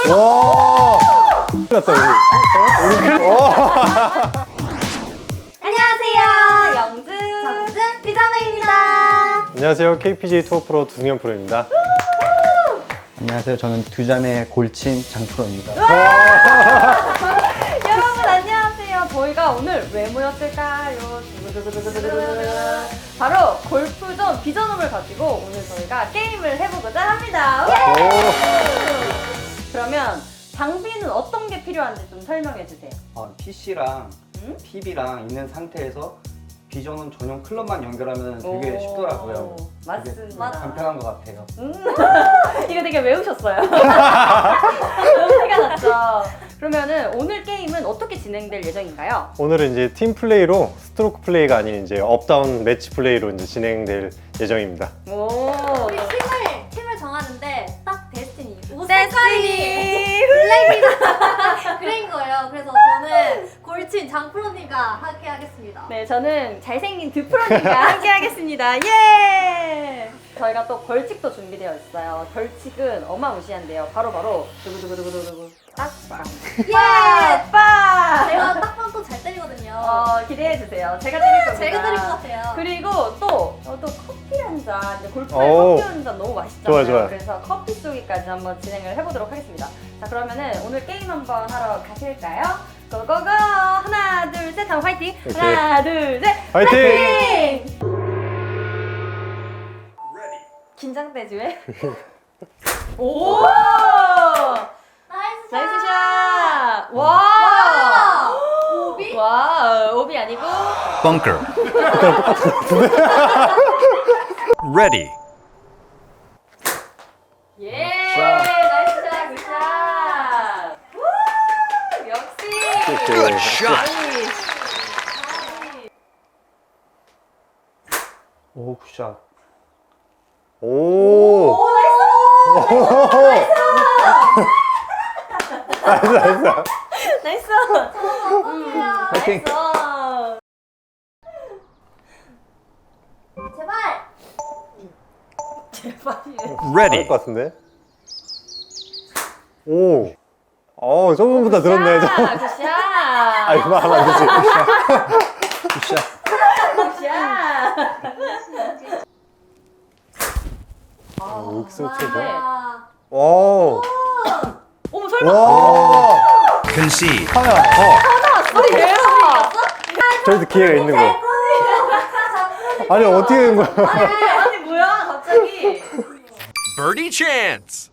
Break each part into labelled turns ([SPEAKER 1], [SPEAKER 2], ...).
[SPEAKER 1] 와! 큰일 났다, 우리 큰일
[SPEAKER 2] 안녕하세요. 영준, 정준, 피자매입니다.
[SPEAKER 1] 안녕하세요. KPJ 투어 프로 두승현 프로입니다.
[SPEAKER 3] 안녕하세요. 저는 두자매 골친 장프로입니다.
[SPEAKER 2] 여러분 안녕하세요. 저희가 오늘 왜 모였을까요? 바로 골프존 비전홈을 가지고 오늘 저희가 게임을 해보고자 합니다. 그러면 장비는 어떤 게 필요한지 좀 설명해 주세요.
[SPEAKER 3] PC랑 TV랑 있는 상태에서 비전홈 전용 클럽만 연결하면 되게 쉽더라고요.
[SPEAKER 2] 맞습니다.
[SPEAKER 3] 간편한 것 같아요.
[SPEAKER 2] 이거 되게 외우셨어요. 티가 났죠. 그러면은 오늘 게임은 어떻게 진행될 예정인가요?
[SPEAKER 1] 오늘은 이제 팀 플레이로 스트로크 플레이가 아닌 이제 업다운 매치 플레이로 이제 진행될 예정입니다.
[SPEAKER 2] 오.
[SPEAKER 4] 우리 팀을 정하는데 딱 데스티니 옷
[SPEAKER 2] 데스티니!
[SPEAKER 4] 색깔이 블랙이다 그레인 거예요. 그래서 저는 골친 장프로님과 함께 하겠습니다.
[SPEAKER 2] 네, 저는 잘생긴 드프로님과 함께 하겠습니다. 예! 저희가 또 벌칙도 준비되어 있어요. 벌칙은 어마무시한데요. 바로 두구두구두구두구 딱빵.
[SPEAKER 4] 예!
[SPEAKER 2] 빵!
[SPEAKER 4] 제가 딱밤도 잘 때리거든요.
[SPEAKER 2] 기대해 주세요. 제가 때릴 겁니다.
[SPEAKER 4] 제가 때릴 것 같아요.
[SPEAKER 2] 그리고 또 커피 한 잔, 이제 골프에
[SPEAKER 1] 오.
[SPEAKER 2] 커피 한 잔 너무 맛있잖아요.
[SPEAKER 1] 좋아요.
[SPEAKER 2] 그래서 커피 쏘기까지 한번 진행을 해보도록 하겠습니다. 자, 그러면은 오늘 게임 한번 하러 가실까요? 고고고! 하나, 둘, 셋 하면 화이팅!
[SPEAKER 1] 오케이.
[SPEAKER 2] 하나, 둘, 셋!
[SPEAKER 1] 화이팅!
[SPEAKER 2] 긴장되지 왜? 오!
[SPEAKER 4] 나이스 샷!
[SPEAKER 2] 나이스 샷! 와!
[SPEAKER 4] 오비?
[SPEAKER 2] 와, 오비 아니고
[SPEAKER 5] Bunker. Ready.
[SPEAKER 2] 예! 나이스 샷! 굿샷! 우! 역시!
[SPEAKER 5] Good shot.
[SPEAKER 3] 오, 굿샷.
[SPEAKER 1] 오!
[SPEAKER 2] 나이스!
[SPEAKER 3] 파이팅!
[SPEAKER 4] 제발!
[SPEAKER 2] 제발.
[SPEAKER 5] Ready.
[SPEAKER 1] 것 같은데? 오! 저번보다 늘었네.
[SPEAKER 2] 굿샷! 굿샷!
[SPEAKER 1] 아, 이거 하면 안 되지.
[SPEAKER 3] 굿샷.
[SPEAKER 2] 굿샷!
[SPEAKER 1] 육수 최고.
[SPEAKER 4] 아,
[SPEAKER 1] 오!
[SPEAKER 2] 어머, 설마!
[SPEAKER 1] 와!
[SPEAKER 5] Concede.
[SPEAKER 1] 하야,
[SPEAKER 2] 우리 대박!
[SPEAKER 1] 저희도 기회가 있는 거. 아니, 어떻게 된 거야?
[SPEAKER 2] 아니, 뭐야, 갑자기.
[SPEAKER 5] Birdie chance.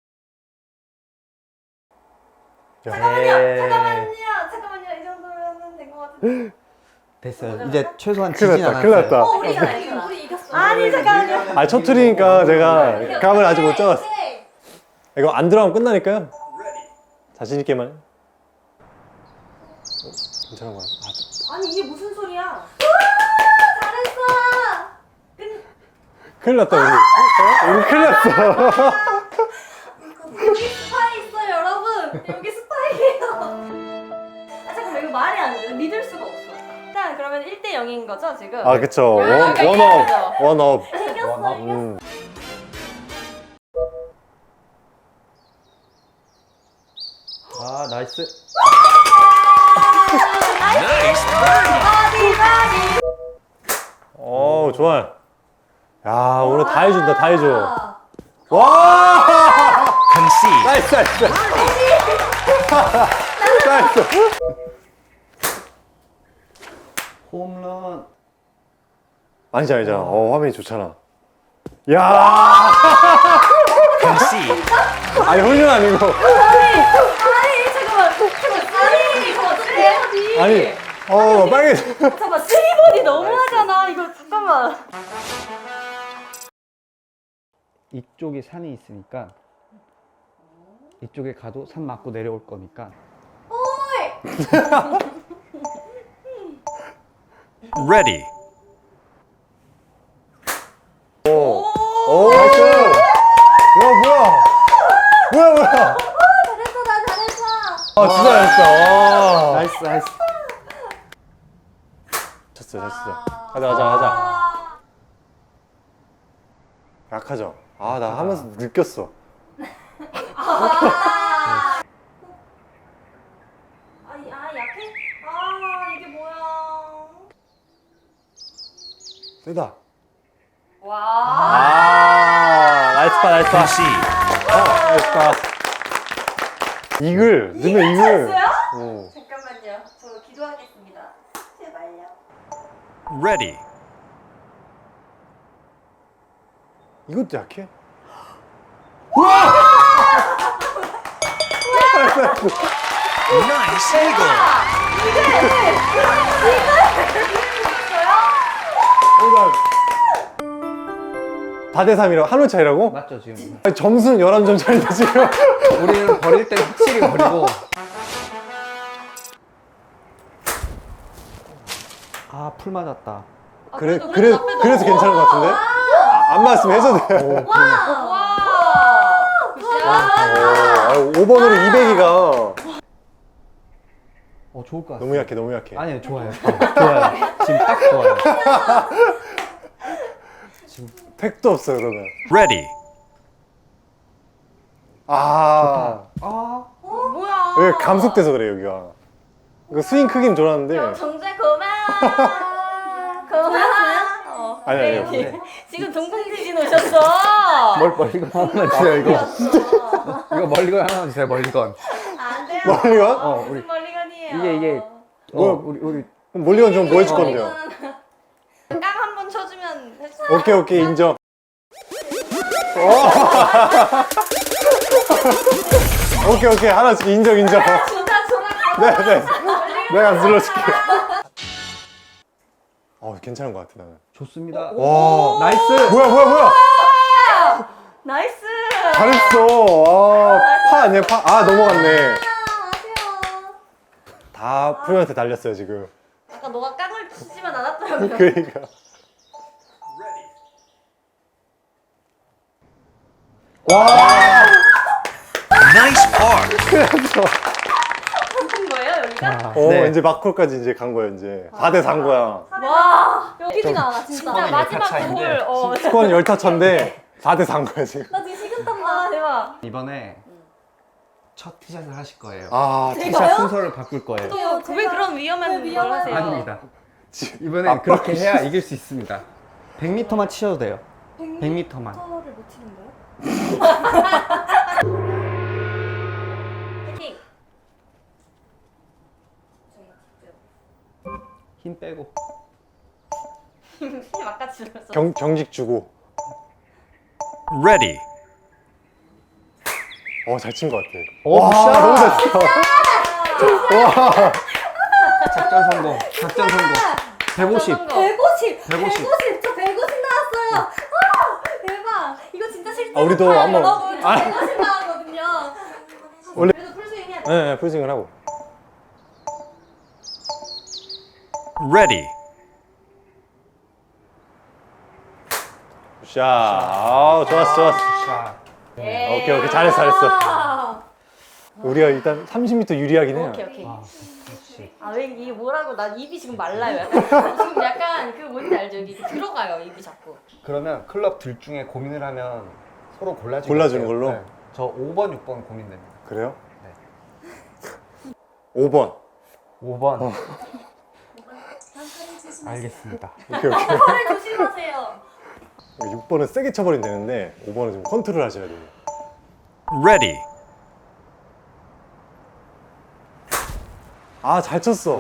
[SPEAKER 2] 잠깐만요, 이 정도면 된 것 같은데.
[SPEAKER 3] 됐어요. 이제 최소한
[SPEAKER 1] 큰일
[SPEAKER 3] 지진
[SPEAKER 1] 났다, 큰일
[SPEAKER 3] 않았어요.
[SPEAKER 1] 났다.
[SPEAKER 4] 우리 이겼어.
[SPEAKER 2] 아니, 잠깐만요.
[SPEAKER 1] 아, 첫 툴이니까 제가 감을 아직 못 잡았어.
[SPEAKER 4] 오케이.
[SPEAKER 1] 이거 안 들어가면 끝나니까요. 자신있게만 해. 괜찮은 거야?
[SPEAKER 2] 아니, 이게 무슨 소리야?
[SPEAKER 4] 잘했어!
[SPEAKER 1] 큰일 났다, 우리 큰일 났어.
[SPEAKER 4] 여기 스파이 있어요, 여러분! 여기 스파이예요!
[SPEAKER 2] 아, 잠깐만, 이거 말이 안 돼. 믿을 수가 없어. 일단, 그러면 1대 0인 거죠, 지금?
[SPEAKER 1] 아, 그쵸.
[SPEAKER 2] 이렇게
[SPEAKER 1] 원업.
[SPEAKER 2] 이겨야죠.
[SPEAKER 1] 원업.
[SPEAKER 4] 이겼어, 이겼어.
[SPEAKER 3] 아, 나이스.
[SPEAKER 5] Nice birdie.
[SPEAKER 1] 좋아. 야, 오늘 다 해준다, 다 해줘.
[SPEAKER 4] 아,
[SPEAKER 1] 와!
[SPEAKER 5] Concede.
[SPEAKER 1] 나이스, 나이스. 나이스.
[SPEAKER 3] 홈런.
[SPEAKER 1] 아니잖아, 아니잖아. 화면이 좋잖아. 야!
[SPEAKER 5] Concede.
[SPEAKER 1] 아니, 홀륜 아니고.
[SPEAKER 2] 아니, 잠깐만. 이거 어떡해?
[SPEAKER 1] 아니, 빨개.
[SPEAKER 2] 잠깐만, 3번이 너무하잖아. 이거, 잠깐만.
[SPEAKER 3] 이쪽이 산이 있으니까 이쪽에 가도 산 맞고 내려올 거니까.
[SPEAKER 5] Ready.
[SPEAKER 1] 오, 나이스. 뭐야.
[SPEAKER 4] 잘했어, 나 잘했어!
[SPEAKER 1] 아, 진짜 잘했어.
[SPEAKER 3] 나이스, 나이스.
[SPEAKER 1] 쳤어. 가자. 약하죠? 나 하면서 느꼈어. 되다.
[SPEAKER 2] 와.
[SPEAKER 1] 아, 나이스 파, 나이스 파.
[SPEAKER 5] Concede.
[SPEAKER 1] 나이스 파. 이글, 넣으면 이글. 어.
[SPEAKER 4] 잠깐만요. 저 기도하겠습니다. 제발요.
[SPEAKER 5] Ready.
[SPEAKER 1] 이것도 약해?
[SPEAKER 5] Nice eagle.
[SPEAKER 1] 다 대 3이라고? 한 호 차이라고?
[SPEAKER 3] 맞죠 지금?
[SPEAKER 1] 아니, 점수는 11점 차인데 지금.
[SPEAKER 3] 우리는 버릴 때 확실히 버리고. 아, 풀 맞았다.
[SPEAKER 1] 그래서 괜찮은 것 같은데? 안 맞았으면 해줘도 돼요.
[SPEAKER 2] 와. 굿샷.
[SPEAKER 1] 5번으로 200이가
[SPEAKER 3] 좋을 것 같아.
[SPEAKER 1] 너무 약해, 너무 약해.
[SPEAKER 3] 아니요, 좋아요. 좋아요. 지금 딱 좋아요.
[SPEAKER 1] 택도 없어요, 그러면.
[SPEAKER 5] Ready.
[SPEAKER 1] 아,
[SPEAKER 2] 뭐야?
[SPEAKER 1] 왜 감속돼서 그래, 여기가. 그 스윙 크긴 좋았는데.
[SPEAKER 2] 정재 그만. 그만.
[SPEAKER 1] 아니, 아니.
[SPEAKER 3] 네.
[SPEAKER 2] 지금 동공지진 오셨어.
[SPEAKER 3] 멀리건 하나만 주세요, 이거. 이거 멀리건 하나만 주세요, 멀리건.
[SPEAKER 4] 안 돼요.
[SPEAKER 1] 멀리건?
[SPEAKER 3] 우리
[SPEAKER 2] 무슨 멀리건이에요?
[SPEAKER 3] 이게
[SPEAKER 1] 뭐야?
[SPEAKER 3] 우리
[SPEAKER 1] 그럼 멀리건 좀 뭐 해줄 건데요?
[SPEAKER 2] 깡 한 번 쳐주면 됐어.
[SPEAKER 1] 오케이, 오케이, 인정. 오케이, 오케이. 하나씩 인정, 인정.
[SPEAKER 2] 좋다, 좋아.
[SPEAKER 1] 네, 네. 내가 눌러줄게. 괜찮은 것 같아, 나는.
[SPEAKER 3] 좋습니다.
[SPEAKER 1] 와,
[SPEAKER 3] 나이스.
[SPEAKER 1] 뭐야.
[SPEAKER 2] 나이스.
[SPEAKER 1] 잘했어. 파 아니야, 파? 넘어갔네.
[SPEAKER 4] 아쉬워.
[SPEAKER 1] 다 프로한테 달렸어요, 지금.
[SPEAKER 2] 아까 너가 깡을 치지만 않았더라고요.
[SPEAKER 1] 그러니까.
[SPEAKER 5] Nice par.
[SPEAKER 2] 무슨 거예요, 여기가?
[SPEAKER 3] 네.
[SPEAKER 1] 이제 마콜까지 이제 간 거야, 이제. 4대 4인 거야.
[SPEAKER 2] 와.
[SPEAKER 4] 뛰지가 않아 진짜.
[SPEAKER 2] 진짜 마지막
[SPEAKER 3] 차인데.
[SPEAKER 2] 골.
[SPEAKER 1] 스코어는 10타차인데 4대 4인 거야, 지금.
[SPEAKER 4] 나 지금 식은땀
[SPEAKER 2] 아,
[SPEAKER 4] 나.
[SPEAKER 2] 대박.
[SPEAKER 3] 이번에 첫 티샷을 하실 거예요.
[SPEAKER 1] 티샷
[SPEAKER 3] 순서를 바꿀 거예요.
[SPEAKER 2] 왜 그런 위험한 걸 하세요?
[SPEAKER 3] 아닙니다. 이번엔 그렇게 해야 이길 수 있습니다. 100m만 치셔도 돼요. 100m만.
[SPEAKER 4] 터를 못 치는 거예요?
[SPEAKER 2] 파이팅.
[SPEAKER 3] 힘 빼고.
[SPEAKER 2] 힘 아까 줄였어.
[SPEAKER 1] 경직 주고.
[SPEAKER 5] Ready.
[SPEAKER 1] 잘 친 것 같아.
[SPEAKER 3] 샷!
[SPEAKER 1] 너무 잘했어. 와.
[SPEAKER 3] 작전 성공. 작전 성공. 150.
[SPEAKER 4] 150!
[SPEAKER 3] 150.
[SPEAKER 4] 150! 저 150 나왔어요! 대박! 이거 진짜 실제
[SPEAKER 1] 우리도 한번-
[SPEAKER 4] 여러분 150 나왔거든요.
[SPEAKER 1] 원래-
[SPEAKER 4] 그래도 풀스윙 해야 돼.
[SPEAKER 1] 네, 풀스윙을 하고.
[SPEAKER 5] Ready.
[SPEAKER 1] 샷. 좋았어.
[SPEAKER 3] 자,
[SPEAKER 1] 오케이. 잘했어. 우리가 일단 30m 유리하긴 해요.
[SPEAKER 2] 오케이.
[SPEAKER 3] 그렇지.
[SPEAKER 2] 왜 이게 뭐라고? 나 입이 지금 말라요. 약간. 지금 약간 그 뭔지 알죠? 여기 들어가요, 입이 자꾸.
[SPEAKER 3] 그러면 클럽 둘 중에 고민을 하면 서로 골라주는
[SPEAKER 1] 골라주는 걸로?
[SPEAKER 3] 저 5번, 6번 고민됩니다.
[SPEAKER 1] 그래요?
[SPEAKER 3] 네.
[SPEAKER 1] 5번.
[SPEAKER 3] 5번. 알겠습니다.
[SPEAKER 1] 오케이.
[SPEAKER 4] 팔을 조심하세요.
[SPEAKER 1] 6번은 세게 쳐버리면 되는데 5번은 좀 컨트롤 하셔야 돼요.
[SPEAKER 5] Ready.
[SPEAKER 1] 잘 쳤어.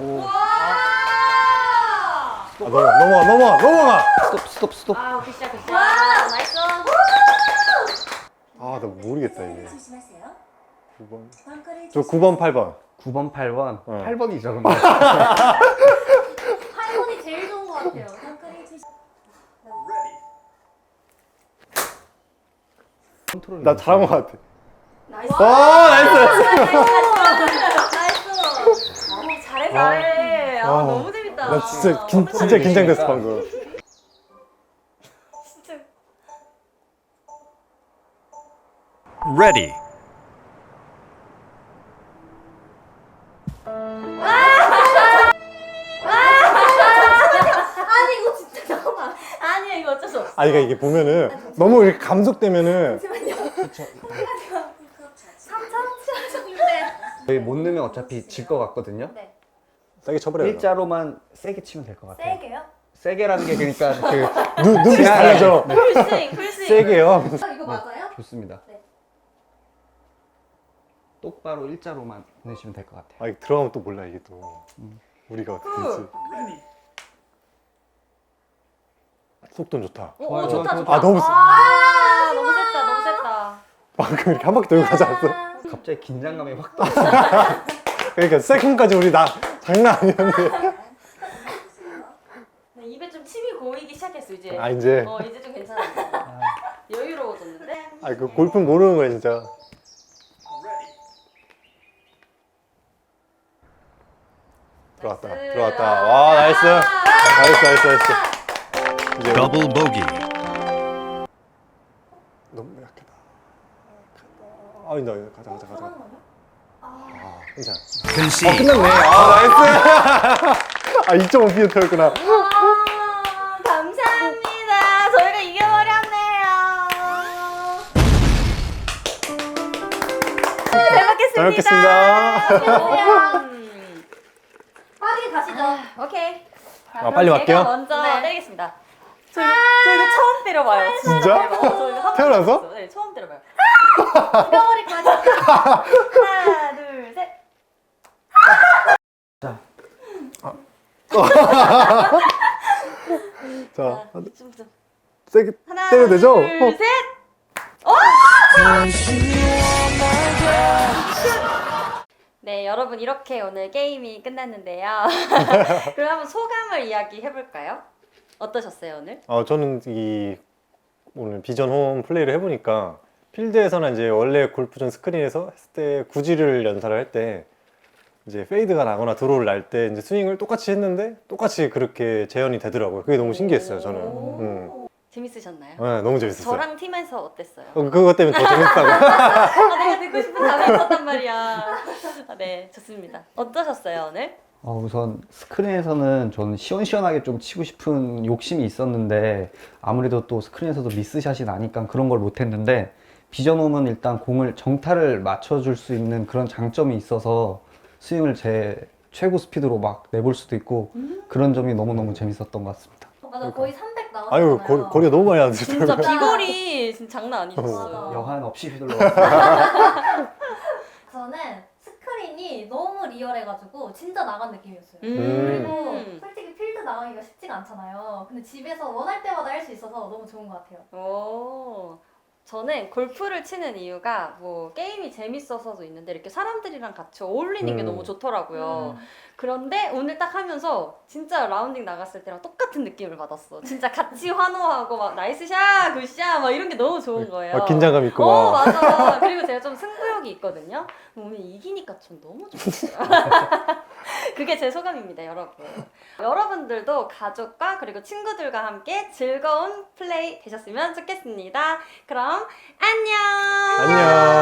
[SPEAKER 4] 와!
[SPEAKER 1] 넘어가.
[SPEAKER 3] 스톱.
[SPEAKER 2] 아, 굿샷. 나이스.
[SPEAKER 1] 나 모르겠다, 이게.
[SPEAKER 4] 조심하세요.
[SPEAKER 1] 9번.
[SPEAKER 4] 벙커를
[SPEAKER 1] 저 9번, 8번.
[SPEAKER 3] 9번, 8번.
[SPEAKER 1] 어.
[SPEAKER 3] 8번이죠, 근데.
[SPEAKER 4] 8번이 제일 좋은 것 같아요. 벙커를 조심.
[SPEAKER 3] 컨트롤.
[SPEAKER 1] 나 잘한 것 같아.
[SPEAKER 2] 나이스.
[SPEAKER 1] 나이스.
[SPEAKER 4] 나이스!
[SPEAKER 2] 잘해.
[SPEAKER 1] 와.
[SPEAKER 2] 너무 재밌다.
[SPEAKER 1] 나 진짜 긴장됐어, 방금.
[SPEAKER 2] 진짜.
[SPEAKER 5] Ready.
[SPEAKER 4] 아니 이거 진짜 잠깐만.
[SPEAKER 2] 아니야, 이거 어쩔 수 없어.
[SPEAKER 1] 그러니까 이게 보면은 너무 이렇게 감속되면은
[SPEAKER 4] 3천 치셨는데.
[SPEAKER 3] 저희 못 넣으면 어차피 질 것 같거든요.
[SPEAKER 4] 네.
[SPEAKER 1] 세게 쳐버려요.
[SPEAKER 3] 일자로만 세게 치면 될 것 같아요.
[SPEAKER 4] 세게요?
[SPEAKER 3] 세게라는 게 그러니까 그
[SPEAKER 1] 눈빛 달라져.
[SPEAKER 2] 풀스윙, 풀스윙.
[SPEAKER 1] 세게요.
[SPEAKER 4] 이거 맞아요?
[SPEAKER 3] 좋습니다.
[SPEAKER 4] 네.
[SPEAKER 3] 똑바로 일자로만 내시면 될 것 같아요.
[SPEAKER 1] 아, 이거 들어가면 또 몰라 이게 또 우리가 어떻게 될지. 속도는 좋다.
[SPEAKER 2] 오,
[SPEAKER 3] 좋아요,
[SPEAKER 2] 좋다,
[SPEAKER 3] 좋아요,
[SPEAKER 2] 좋다.
[SPEAKER 1] 아, 너무 세.
[SPEAKER 2] 아, 너무 셌다, 너무 셌다.
[SPEAKER 1] 방금 이렇게 한 바퀴 돌고 가지 않았어?
[SPEAKER 3] 갑자기 긴장감이 확
[SPEAKER 1] 그러니까 세컨까지 우리 나 장난 아니었는데.
[SPEAKER 2] 네, 입에 좀 침이 고이기 시작했어 이제.
[SPEAKER 1] 아, 이제.
[SPEAKER 2] 이제 좀 괜찮았어. 여유로워졌는데.
[SPEAKER 1] 아, 그 골프는 모르는 거야 진짜. 들어왔다.
[SPEAKER 2] 나이스.
[SPEAKER 1] 들어왔다. 와, 나이스. 나이스, 나이스, 나이스. 이제
[SPEAKER 5] Double bogey.
[SPEAKER 1] 너무 약하다. 아, 이제 가자, 가자, 가자. 아, 괜찮아.
[SPEAKER 5] Concede.
[SPEAKER 1] 끝났네. 아, 나이스. 아, 2.5피어였구나.
[SPEAKER 2] 아, 감사합니다. 저희가 이겨버렸네요. 잘 먹겠습니다.
[SPEAKER 1] 잘 먹겠습니다.
[SPEAKER 4] 빠르게 가시죠.
[SPEAKER 2] 오케이. 자,
[SPEAKER 1] 아, 빨리
[SPEAKER 2] 그럼 제가
[SPEAKER 1] 갈게요?
[SPEAKER 2] 먼저
[SPEAKER 4] 네.
[SPEAKER 2] 때리겠습니다. 저 이거 처음 때려봐요.
[SPEAKER 1] 진짜?
[SPEAKER 2] 저 이거 한
[SPEAKER 1] 태어나서?
[SPEAKER 2] 번도 없어요. 네, 처음 때려봐요.
[SPEAKER 4] 뼈머리 가시.
[SPEAKER 2] 하나, 둘, 셋.
[SPEAKER 1] 자,
[SPEAKER 2] 좀.
[SPEAKER 1] 세게
[SPEAKER 2] 하나,
[SPEAKER 1] 때려도 되죠?
[SPEAKER 2] 둘, 셋. 네, 여러분 이렇게 오늘 게임이 끝났는데요. 그럼 한번 소감을 이야기해 볼까요? 어떠셨어요 오늘?
[SPEAKER 1] 저는 이 오늘 비전 홈 플레이를 해보니까 필드에서나 이제 원래 골프전 스크린에서 했을 때 구질을 연사를 할 때 이제 페이드가 나거나 드로우를 날 때 이제 스윙을 똑같이 했는데 똑같이 그렇게 재현이 되더라고요. 그게 너무 신기했어요, 저는.
[SPEAKER 2] 재밌으셨나요?
[SPEAKER 1] 네, 너무 재밌었어요.
[SPEAKER 2] 저랑 팀에서 어땠어요?
[SPEAKER 1] 그것 때문에 더 재밌다고.
[SPEAKER 2] 내가 듣고 싶은 답이 있었단 말이야. 네, 좋습니다. 어떠셨어요 오늘?
[SPEAKER 3] 우선 스크린에서는 저는 시원시원하게 좀 치고 싶은 욕심이 있었는데 아무래도 또 스크린에서도 미스샷이 나니까 그런 걸 못했는데 비전홈은 일단 공을 정타를 맞춰줄 수 있는 그런 장점이 있어서 스윙을 제 최고 스피드로 막 내볼 수도 있고 그런 점이 너무너무 재밌었던 것 같습니다.
[SPEAKER 4] 맞아, 거의 300 나왔잖아요.
[SPEAKER 1] 아유, 거리가 너무 많이 안
[SPEAKER 2] 진짜
[SPEAKER 1] 되더라고요.
[SPEAKER 2] 비거리 진짜 장난 아니었어요.
[SPEAKER 4] 맞아.
[SPEAKER 3] 여한 없이 휘둘러왔어요.
[SPEAKER 4] 저는 스크린이 너무 리얼해가지고 진짜 나간 느낌이었어요.
[SPEAKER 2] 음.
[SPEAKER 4] 그리고 솔직히 필드 나가기가 쉽지가 않잖아요. 근데 집에서 원할 때마다 할 수 있어서 너무 좋은 것 같아요.
[SPEAKER 2] 오, 저는 골프를 치는 이유가 뭐 게임이 재밌어서도 있는데 이렇게 사람들이랑 같이 어울리는 게 너무 좋더라고요. 그런데 오늘 딱 하면서 진짜 라운딩 나갔을 때랑 똑같은 느낌을 받았어. 진짜 같이 환호하고 막 나이스 샷, 굿샷 막 이런 게 너무 좋은 거예요.
[SPEAKER 1] 긴장감 있고
[SPEAKER 2] 어,
[SPEAKER 1] 막.
[SPEAKER 2] 맞아. 그리고 제가 좀 승부욕이 있거든요. 오늘 이기니까 전 너무 좋았어요. 그게 제 소감입니다, 여러분. 여러분들도 가족과 그리고 친구들과 함께 즐거운 플레이 되셨으면 좋겠습니다. 그럼 안녕!
[SPEAKER 1] 안녕.